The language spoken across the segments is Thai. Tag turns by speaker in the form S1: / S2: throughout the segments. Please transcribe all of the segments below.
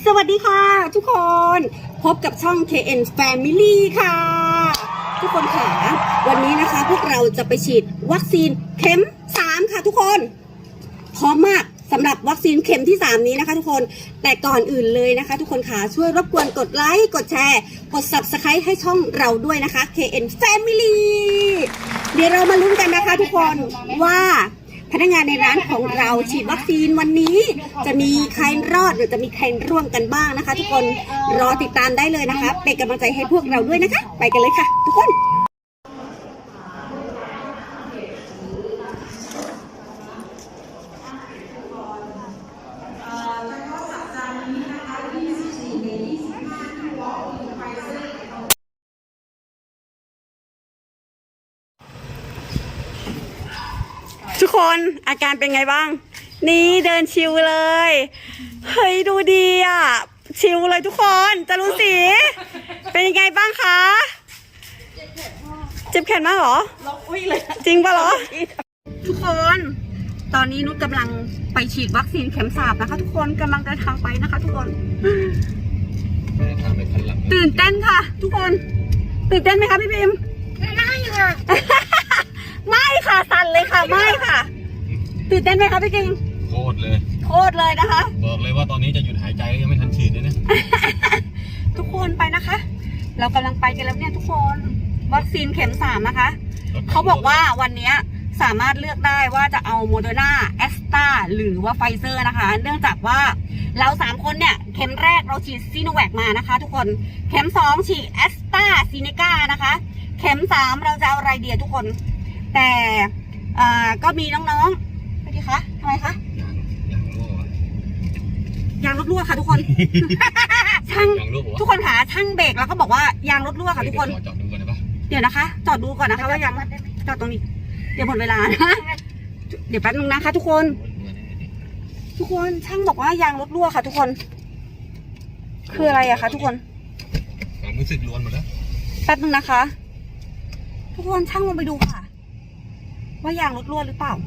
S1: สวัสดีค่ะทุกคนพบกับช่อง KN Family ค่ะทุกคนค่ะวันนี้นะคะพวกเราจะไปฉีดวัคซีนเข็ม3ค่ะทุกคนพร้อมมากสำหรับวัคซีนเข็มที่3นี้นะคะทุกคนแต่ก่อนอื่นเลยนะคะทุกคนค่ะช่วยรบกวนกดไลค์กดแชร์กด Subscribe ให้ช่องเราด้วยนะคะ KN Family เดี๋ยวเรามาลุ้นกันนะคะทุกคนว่าพนักงานในร้านของเราฉีดวัคซีนวันนี้จะมีใครรอดหรือจะมีใครร่วมกันบ้างนะคะทุกคนรอติดตามได้เลยนะคะเป็นกำลังใจให้พวกเราด้วยนะคะไปกันเลยค่ะทุกคนทุกคนอาการเป็นไงบ้างนี่เดินชิวเลยเฮ้ยดูดีอ่ะชิวเลยทุกคนจะรู้สิเป็นยังไงบ้างคะเจ็บแขนมากเหรอจริงปะเหรอทุกคนตอนนี้นุชกำลังไปฉีดวัคซีนเข็ม3นะคะทุกคนกำลังเดินทางไปนะคะทุกคนตื่นเต้นค่ะทุกคนตื่นเต้นไหมคะพี่พิมไม่ค่ะ ไม่ค่ะสั่นเลยค่ะไม่ค่ะตื่นเต้นไหมคะพี่กิง
S2: โคตรเลย
S1: นะคะ
S2: บอกเลยว่าตอนนี้จะหยุดหายใจยังไม่ทันฉีดเลยนะ
S1: ทุกคนไปนะคะเรากำลังไปกันแล้วเนี่ยทุกคนวัคซีนเข็ม3นะคะเขาบอกว่าวันนี้สามารถเลือกได้ว่าจะเอาโมเดอร์นาแอสตราหรือว่าไฟเซอร์นะคะเนื่องจากว่าเรา3คนเนี่ยเข็มแรกเราฉีดซีโนแวคมานะคะทุกคนเข็ม2ฉีดแอสตราซีเนกานะคะเข็ม3เราจะเอาอะไรเดียทุกคนแต่ก็มีน้องๆไปดีคะทำไมคะยางรถรั่วค่ะทุกคนช่างทุกคนค่ะช่างเบรกแล้วก็บอกว่ายางรถรั่วค่ะทุกคน
S2: จอดดูก่อนได้ปะ
S1: เดี๋ยวนะคะจอดดูก่อนนะคะว่ายางจอดตรงนี้เดี๋ยวหมดเวลานะเดี๋ยวแป๊บนึงนะคะทุกคนช่างบอกว่ายางรถรั่วค่ะทุกคนคืออะไรอะคะทุกคน
S2: ความรู้สึกล้วนหมดแล้ว
S1: แป๊บนึงนะคะทุกคนช่างลงไปดูค่ะว่ายางรถรั่วหรือเปล่า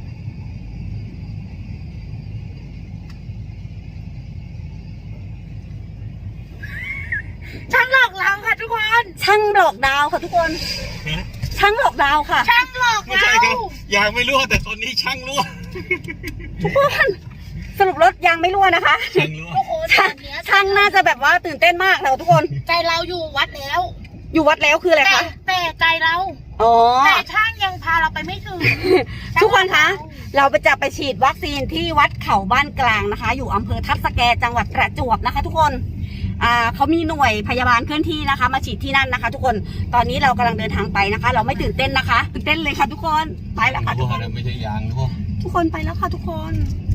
S1: ช่างหลอกเราค่ะทุกคนช่างหลอกดาวค่ะทุกคนช่างหลอกดาวค่ะช่างหลอกดา
S2: วยางไม่รั่วแต่ตอนนี้ช่างรั่ว
S1: ทุกคนสรุปรถยางไม่รั่วนะคะ
S2: ช่างรั่ว
S1: ช่างน่าจะแบบว่าตื่นเต้นมากแล้วทุกคน
S3: ใจเราอยู่วัดแล้ว
S1: คืออะไรคะ
S3: แต่ใจเราแต่ช่างยังพาเราไปไม่ถึง
S1: ทุกคนคะเราจะไปฉีดวัคซีนที่วัดเขาบ้านกลางนะคะอยู่อำเภอทับสแกจังหวัดประจวบนะคะทุกคนเขามีหน่วยพยาบาลเคลื่อนที่นะคะมาฉีดที่นั่นนะคะทุกคนตอนนี้เรากำลังเดินทางไปนะคะเราไม่ตื่นเต้นนะคะตื่นเต้นเลยค่ะทุกคนไปแล้วค่ะทุกคน
S2: ไม่ใช่ยาง
S1: ทุกคนไปแล้วค่ะทุกคน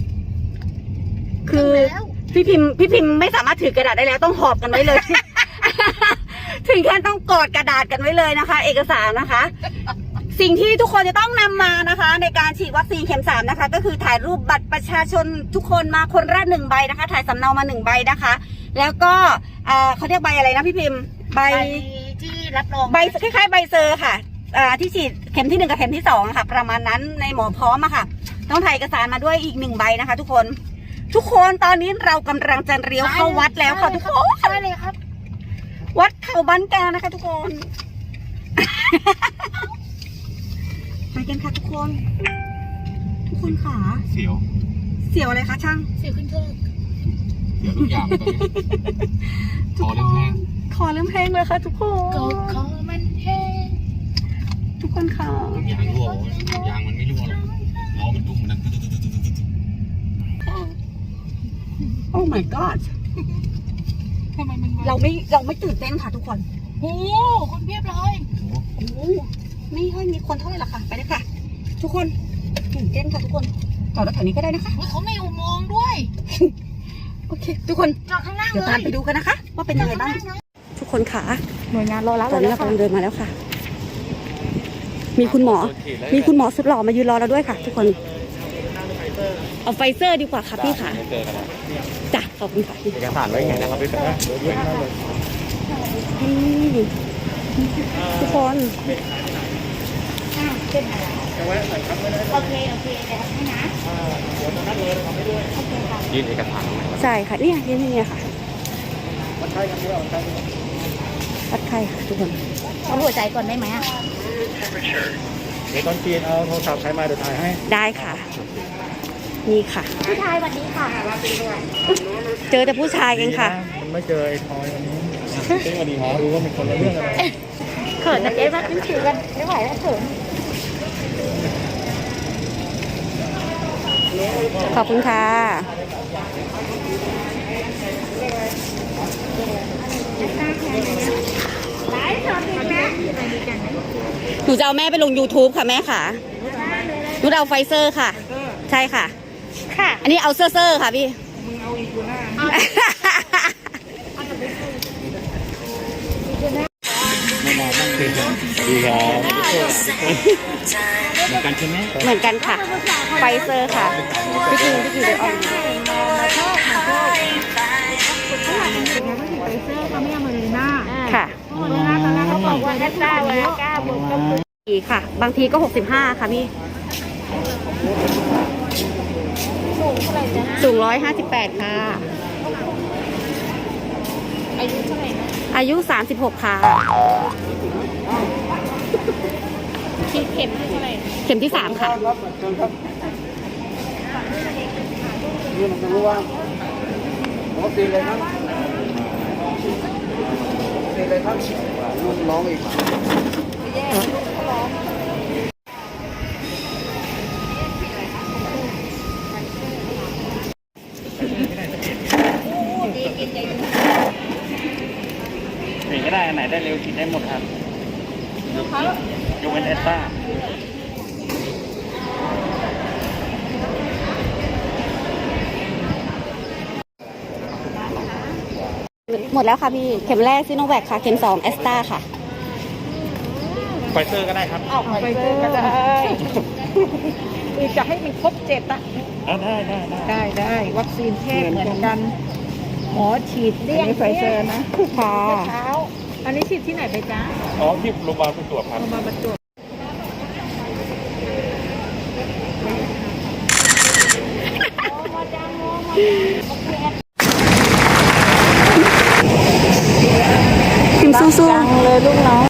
S1: คือพี่พิมพ์ไม่สามารถถือกระดาษได้แล้วต้องหอบกันไว้เลย ถึงขั้นต้องกอดกระดาษกันไว้เลยนะคะเอกสารนะคะสิ่งที่ทุกคนจะต้องนำมานะคะในการฉีดวัคซีนเข็ม3นะคะก็คือถ่ายรูปบัตรประชาชนทุกคนมาคนละ1ใบนะคะถ่ายสำเนามา1ใบนะคะแล้วก็เขาเรียกใบอะไรนะพี่พิมพ์ใบ
S3: ที่รับรอง
S1: ใบคล้ายๆใบเซอร์ค่ะที่ฉีดเข็มที่1กับเข็มที่2ค่ะประมาณนั้นในหมอพร้อมอะค่ะต้องถ่ายเอกสารมาด้วยอีก1ใบนะคะทุกคนตอนนี้เรากำลังจะเลี้ยวเข้าวัดแล้วค่ะทุกคน
S3: ใช่เลยครับ
S1: วัดเขาบ้านกลางนะคะทุกคนไปกันค่ะทุกคนค่ะ
S2: เสี
S1: ยวอะไรคะช่าง
S3: เสียวขึ้นเทิง
S2: เสียวทุกอย่างคอเริ่มแห้ง
S1: เลยค่ะทุกคน
S3: คอมันแห้ง
S1: ทุกคนค่ะ
S2: ยางรั่วยางมันไม่รั่วหรอกล้อมันตุ้มมัน
S1: โอ้ my god เราไม่ตื่นเต้นค่ะทุกคน
S3: โอ้คนเพียบเลย
S1: โอ้ไม่ค่อยมีคนเท่าไหร่ละค่ะไปเลยค่ะทุกคนตื่นเต้นค่ะทุกคนจอดรถแถวนี้ก็ได้นะคะ
S3: เขาไม่อุโมงค์ด้วย
S1: โอเคทุกคน
S3: จอดข้างล่าง
S1: เดี๋ยวตามไปดูกันนะคะว่าเป็นยังไงบ้างทุกคนค่ะ
S3: หน่วยงานรอแล้ว
S1: ตอนนี้เรากำลังเดินมาแล้วค่ะมีคุณหมอสุดหล่อมายืนรอเราด้วยค่ะทุกคนเอาไฟเซอร์ดีกว่าค่ะพี่ค่ะจ้ะขอบคุณค่ะ
S2: เอกสารไว้ไงนะครับพี่
S1: ทุกคน
S3: โอเคเดี๋ยวให้นะ
S2: ยื่นเอกสาร
S1: ใช่ค่ะเนี่ยค่ะ
S2: วัดไข้กันด้วยวัดไข้กัน
S1: วัดไข้ค่ะทุกคน
S3: เอาหัวใจก่อนได้ไหมอ่ะ
S2: เดี๋ยวตอนจีนเอาโทรศัพท์ใช้มาเดี๋ยวถ่ายให้
S1: ได้ค่ะ นี่ค่ะ
S3: ผู้ชายสวัสดีค่ะ
S1: เจอแต่ผู้ชายเองค่ะ
S2: มันไม่เจอไอ้ทอยวันนี้สวัสดีครับรู้ว่ามีคนละเรื่องอะไร
S3: เขินนะเจ๊มาขึ้นถือกันไม่ไหวแล้วเขิน
S1: ขอบคุณค่ะ
S3: ไลฟ์สดอีกแล้ว
S1: หนูจะเอาแม่ไปลง YouTube ค่ะแม่ค่ะหนูจะเอาไฟเซอร์ค่ะ ใช่ค่ะ
S3: ค่ะ
S1: อันนี้เอาเซอร์ค่ะพี่
S2: ไม่มาตั้งคืนดีครับเหมือนกันใช่ไหม
S1: เหมือนกันค่ะ ไฟเซอร์ค่ะ พี่กิงเดี๋ยวออก
S3: ไปเสื้อเขาไม่เอามาเลยหน้า
S1: ค่ะ
S3: ตอนแรกเขาบอกว่าได้9เลย9บวกก็คือ
S1: อีกค่ะ บางทีก็65ค่ะพี่
S3: สูงเท่าไหร่จ๊ะ
S1: สูง158ค่ะ
S3: อายุเท่าไหร่นะ
S1: อายุ36ค่ะ
S3: ที่เข็มที่เท่าไหร่
S1: เข็มที่3ค่ะ
S2: ครับเชิญครับนี่มันจะรู้ว่าวัคซีนเลยครับวัคซีนเลยครับรุ่นน้องอีก ไหนก็ได้อันไหนได้เร็วกินได้หมดครับยกเว้นเอสต้า
S1: หมดแล้วค่ะพี่ เข็มแรกซิโนแวคค่ะ เข็ม2แอสตราค่ะ
S2: ไฟเซอร์ก็ได้ครับ
S3: ออกไปเจอก็ได้คือจะให้มันครบ7อ่ะ
S2: ได้
S3: วัคซีนเทพเหมือนกัน หมอฉีดเลี่ยงไฟเซอร์นะ
S1: ค่ะ
S3: เช้าอันนี้ฉีดที่ไหนไปจ๊ะ
S2: อ๋อที่โรงพยาบาลประจวบครับ
S3: เอามาบรรจุ
S1: พิมสู้ๆเลยลูกน้อง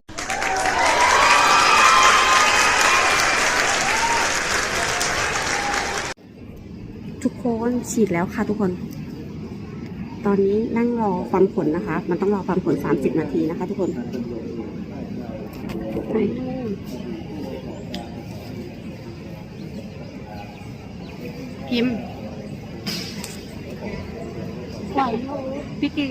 S1: ทุกคนฉีดแล้วค่ะทุกคน ตอนนี้นั่งรอฟังผลนะคะ มันต้องรอฟังผล30 นาทีนะคะทุกคนพิมพ์พี่กิง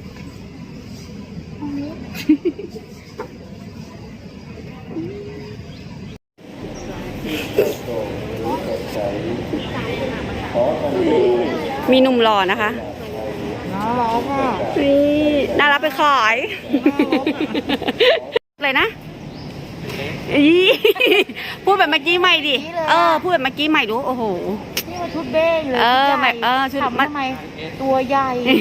S1: มีหนุ่มหล่อนะคะ
S3: น้องร้องค่ะ
S1: นี่น่ารับไปขายเลยนะอีพูดแบบเมื่อกี้ใหม่ดิ พูดแบบเมื่อกี้ใหม่ดู โอ้โห
S3: นี่มาชุดเบ้งเลย
S1: ชุด
S3: ทำทำไมตัวใหญ่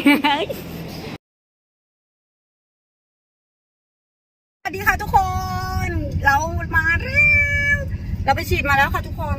S1: สวัสดีค่ะทุกคน เรามาแล้ว เราไปฉีดมาแล้วค่ะทุกคน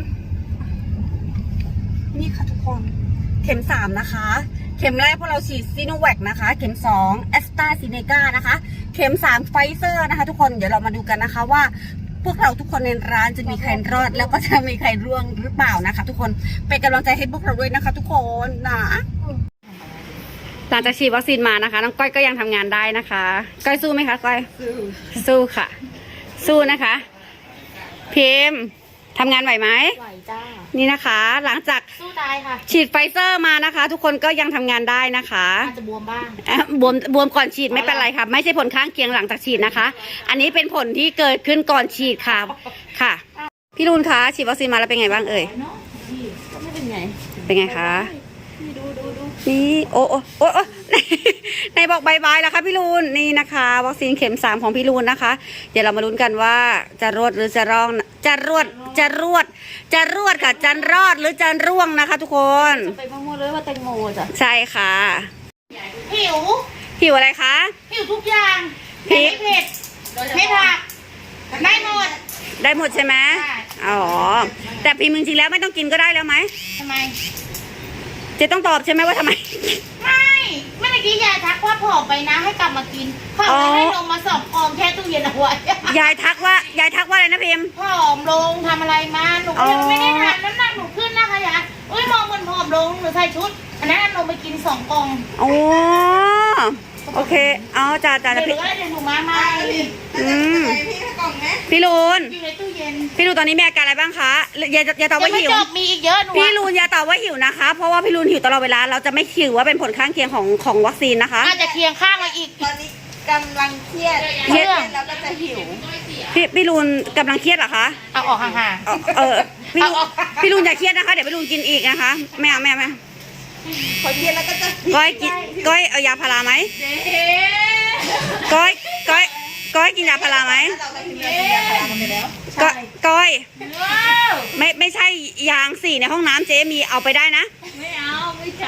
S1: นี่ค่ะทุกคน เข็ม3นะคะ เข็มแรกพวกเราฉีดซีโนแวคนะคะ เข็ม2แอสตราซีเนกานะคะ เข็ม3ไฟเซอร์นะคะ ทุกคน เดี๋ยวเรามาดูกันนะคะว่า พวกเราทุกคนในร้านจะมีใครรอด แล้วก็จะมีใครร่วงหรือเปล่านะคะ ทุกคน เป็นกำลังใจให้พวกเราด้วยนะคะ ทุกคนนะ หลังจากฉีดวัคซีนมานะคะ น้องก้อยก็ยังทำงานได้นะคะ ก้อยสู้ไหมคะก้อย สู้ค่ะ สู้นะคะ พิมพ์ทำงานไหวไหม
S3: ไหวจ้า
S1: นี่นะคะ หลังจาก
S3: สู้ตายค่ะ
S1: ฉีดไฟเซอร์มานะคะ ทุกคนก็ยังทำงานได้นะคะ
S3: อาจจะบวมบ้าง
S1: บวมก่อนฉีดไม่เป็นไรค่ะ ไม่ใช่ผลข้างเคียงหลังจากฉีดนะคะ อันนี้เป็นผลที่เกิดขึ้นก่อนฉีดค่ะค่ะ พี่รุนคะฉีดวัคซีนมาแล้วเป็นไงบ้างเอ่ย
S3: ไม่เป็นไง
S1: เป็นไงคะนี่โอ้ในบอกบายบายแล้วค่ะพี่ลูนนี่นะคะ วัคซีนเข็ม3ของพี่ลูนนะคะ เดี๋ยวเรามาลุ้นกันว่าจะรอดหรือจะร่องจะรวดค่ะจะรอดหรือจะร่วงนะคะ ทุกคน
S3: ไปมั่วๆเลยว่าแตงโมจ้ะ
S1: ใช่ค่ะ
S3: ผิว
S1: อะไรคะ
S3: ผิวทุกอย่าง
S1: พริก
S3: เผ็ดไม่ผักได้หมด
S1: ได้หมดใช่ไหม
S3: ใช่
S1: อ๋อแต่พิมพ์จริงๆแล้วไม่ต้องกินก็ได้แล้วไหม
S3: ทำไม
S1: เจะต้องตอบใช่ไหมว่าทำไม
S3: ไม่เมื่อกี้ยายทักว่าผ
S4: อมไปนะให้กลับมากินเขาให้ลงมา2 กล่องแช่ตู้เย็นเอาไว้
S1: ยายทักว่าอะไรนะพิมพ์
S4: ผอมลงทำอะไรมาหนูยังไม่ได้ทานน้ำหนักหนูขึ้นนะคะยายอุ้ยมองเหมือนผอมลงหนูใส่ชุดอันนั้นลงไปกิน2 กล่อง
S1: โอ้โอเคเอาจ้า
S4: เดี๋ยว
S1: พี่
S4: หนูมาใหม่
S1: พี่ลูน
S4: อยู่ในตู้เย็น
S1: พี่ลูนตอนนี้มีอาการอะไรบ้างคะอย่าตอบ
S4: ยัง
S1: ว่า
S4: ไม่
S1: หิว
S4: จบมีอีกเยอะหนู
S1: พี่ลูนอย่าตอบว่าหิวนะคะ เพราะว่าพี่ลูนหิวตลอดเวลาเราจะไม่หิวว่าเป็นผลข้างเคียงของวัคซีนนะคะ
S4: อาจจะเคียงข้างมาอีก
S5: ตอนนี้กำลังเครียด
S4: เครียด
S5: แล้วก็จะหิว
S1: พี่ลูนกำลังเครียดเหรอคะ
S4: เอาออกห่าง
S1: พี่ลูน
S4: เอา
S1: พี่ลูนอย่าเครียดนะคะเดี๋ยวพี่ลูนกินอีกนะคะไม่เอา
S5: พอเครียดแล้วก็จะ
S1: ก้อยเอายาพาราไหม
S4: ๆ
S1: ก้อยกินยาพาราไหม
S5: เราไปพิมพ์เรากินยาพารากันไปแล้ว
S1: ก้อย
S4: ว้าว
S1: ไม่ใช่ยาง4ในห้องน้ำเจ๊มีเอาไปได้นะ
S4: ไม่เอาไม่ใช่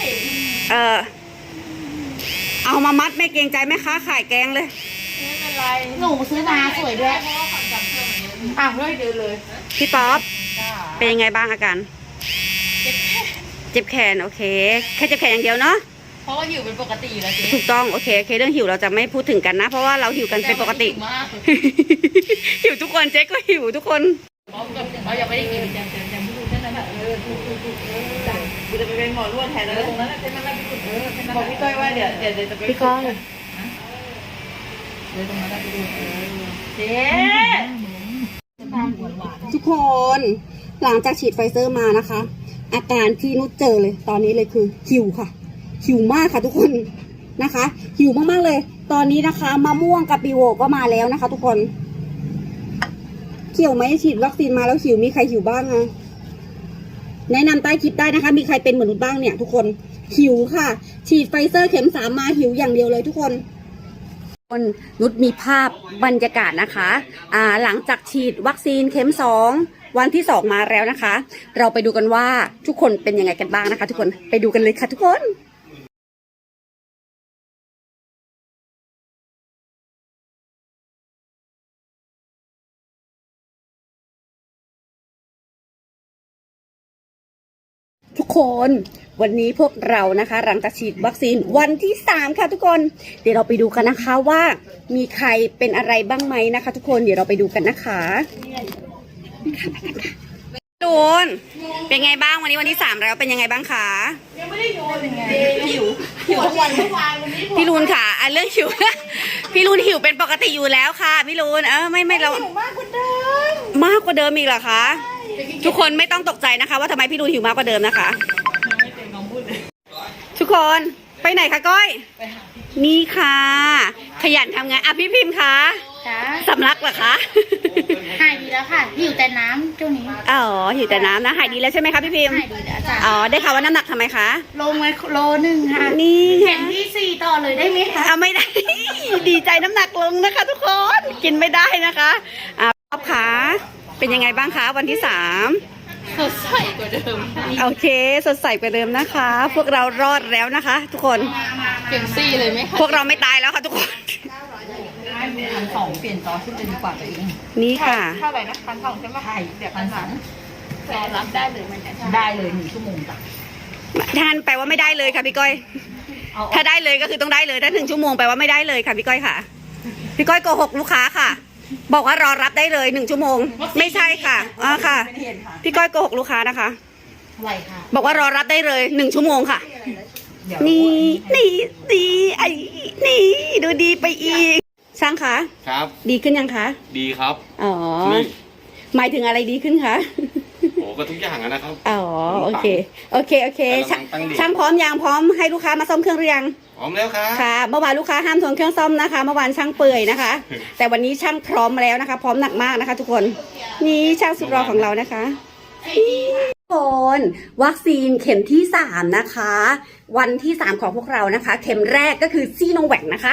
S1: เอามามัดไม่เกรงใจแม่ค้าขายแกงเลย
S4: หนูซื้อมาสวยด้วยอ้าวเลยเดินเลย
S1: พี่ป๊อปเป็นยังไงบ้างอาการเจ็บแขนโอเคแค่เจ็บแขนอย่างเดียวเนาะ
S4: เพราะว่าหิวเป็นปกติอยู่แล้วเจ๊
S1: ถูกต้องโอเคเรื่องหิวเราจะไม่พูดถึงกันนะ เพราะว่าเราหิวกันเป็นปกติ
S4: มาก
S1: หิวทุกคนเจ๊ก็หิวทุกคน
S4: เรายังไม่ได้กินจังไม่รู้แค่นั้นแหละ
S5: กูจะไปเป็นหมอนวดแทนแล้วตรงนั้นใช่ไหมบอกพี่ก้อยว่าเดี๋ยวจะไป
S1: พี่ก้อย
S4: เจ๊
S1: ทุกคนหลังจากฉีดไฟเซอร์มานะคะ อาการที่นุชเจอเลยตอนนี้เลยคือหิวค่ะหิวมากค่ะทุกคนนะคะหิวมากๆเลย ตอนนี้นะคะมะม่วงกับปีโวก็มาแล้วนะคะ ทุกคนเกี่ยวไหมฉีดวัคซีนมาแล้วหิวมีใครหิวบ้างอะแนะนำใต้คลิปได้นะคะ มีใครเป็นเหมือนนุชบ้างเนี่ยทุกคนหิวค่ะฉีดไฟเซอร์เข็ม3มาหิวอย่างเดียวเลยทุกคนนุชมีภาพบรรยากาศนะคะหลังจากฉีดวัคซีนเข็ม2วันที่2มาแล้วนะคะ เราไปดูกันว่าทุกคนเป็นยังไงกันบ้างนะคะ ทุกคนไปดูกันเลยค่ะทุกคนทุกคนวันนี้พวกเรานะคะหลังจากฉีดวัคซีนวันที่3ค่ะทุกคนเดี๋ยวเราไปดูกันนะคะว่ามีใครเป็นอะไรบ้างไหมนะคะ ทุกคนเดี๋ยวเราไปดูกันนะคะตูนเป็นไงบ้างวันนี้วันที่3แล้วเป็นยังไงบ้างคะยังไม่ได้โยนไงหิวทุกวันพี่ลูนค่ะเรื่องหิว พี่ลูนหิวเป็นปกติอยู่แล้วค่ะพี่ลูนไม่เรามากกว่าเดิมอีกเหรอคะทุกคนไม่ต้องตกใจนะคะว่าทำไมพี่ลูนหิวมากกว่าเดิมนะคะทุกคนไปไหนคะก้อยนี่ค่ะ ขยันทำงานพี่พิมพ์คะ
S4: จ้า
S1: สำลักเหรอคะ
S4: หายดีแล้วค่ะหิวแต่น้ำช่วงนี้
S1: อ๋อหิวแต่น้ำนะหายดีแล้วใช่ไหมคะพี่พิมพ์
S4: หายดีแล้วจ้า
S1: อ๋อได้ข่าวว่าน้ำหนักทำไมคะ
S4: ลงไว้โลนึงค่ะ
S1: นี่
S4: เข็มที่ 4ต่อเลยได้ไหมคะ
S1: ไม่ได้ ดีใจน้ำหนักลงนะคะ ทุกคนกินไม่ได้นะคะป๊อปขาเป็นยังไงบ้างคะวันที่3
S4: สดใสกว่าเดิม
S1: โอเคสดใสกว่าเดิมนะคะ พวกเรารอดแล้วนะคะ ทุกคน
S4: เข็ม4เลยไหมคะ
S1: พวกเราไม่ตายแล้วค่ะทุกคน
S5: 1,200เปลี่ยนจอชุดเลยดีกว่าตัวเอง
S1: นี่ค่ะ
S5: เท่าไหร่นะ1,200ใช่ไหมใช่เดี๋ยว1,200
S4: รอรับได้เลยมันจะ
S5: ได้เลย1 ชั่วโมงจ้ะ
S1: ท่านแปลว่าไม่ได้เลยค่ะพี่ก้อย ถ้าได้เลยก็คือต้องได้เลยถ้า1 ชั่วโมงแปลว่าไม่ได้เลยค่ะพี่ก้อยค่ะพี่ก้อยโกหกลูกค้าค่ะ บอกว่ารอรับได้เลย1 ชั่วโมงไม่ใช่ค่ะค่ะพี่ก้อยโกหกลูกค้านะคะ
S4: อะไรค่ะ
S1: บอกว่ารอรับได้เลย1 ชั่วโมงค่ะนี่ไอ้นี่ดูดีไปอีกช่างคะ
S2: ครับ
S1: ดีขึ้นยังคะ
S2: ดีครับ
S1: อ๋อ
S2: นี่
S1: หมายถึงอะไรดีขึ้นคะ
S2: โอ้ก็ทุกอย่างอะนะครับ
S1: อ๋อโอเคช่าง
S2: ตั้งดี
S1: ช่างพร้อมยังพร้อมให้ลูกค้ามาซ่อมเครื่องหรือยัง
S2: พร้อมแล้วครับ
S1: ค่ะเมื่อวานลูกค้าห้ามทนเครื่องซ่อมนะคะเมื่อวานช่างเปื่อยนะคะ แต่วันนี้ช่างพร้อมแล้วนะคะ พร้อมหนักมากนะคะ ทุกคนนี่ช่างสุดรอของเรานะคะทุกคนวัคซีนเข็มที่3นะคะวันที่3ของพวกเรานะคะ เข็มแรกก็คือซีโนแวคนะคะ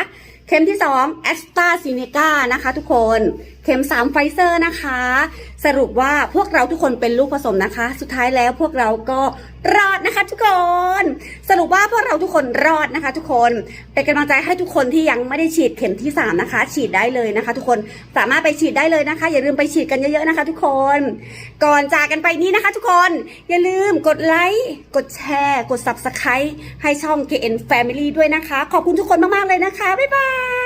S1: เข็มที่2 AstraZeneca นะคะทุกคนเข็ม3ไฟเซอร์นะคะสรุปว่าพวกเราทุกคนเป็นลูกผสมนะคะสุดท้ายแล้วพวกเราก็รอดนะคะทุกคนสรุปว่าพวกเราทุกคนรอดนะคะทุกคนเป็นกำลังใจให้ทุกคนที่ยังไม่ได้ฉีดเข็มที่3นะคะฉีดได้เลยนะคะทุกคนสามารถไปฉีดได้เลยนะคะอย่าลืมไปฉีดกันเยอะๆนะคะทุกคนก่อนจากกันไปนี้นะคะทุกคนอย่าลืมกดไลค์กดแชร์กด Subscribe ให้ช่อง KN Family ด้วยนะคะขอบคุณทุกคนมากๆเลยนะคะบ๊ายบาย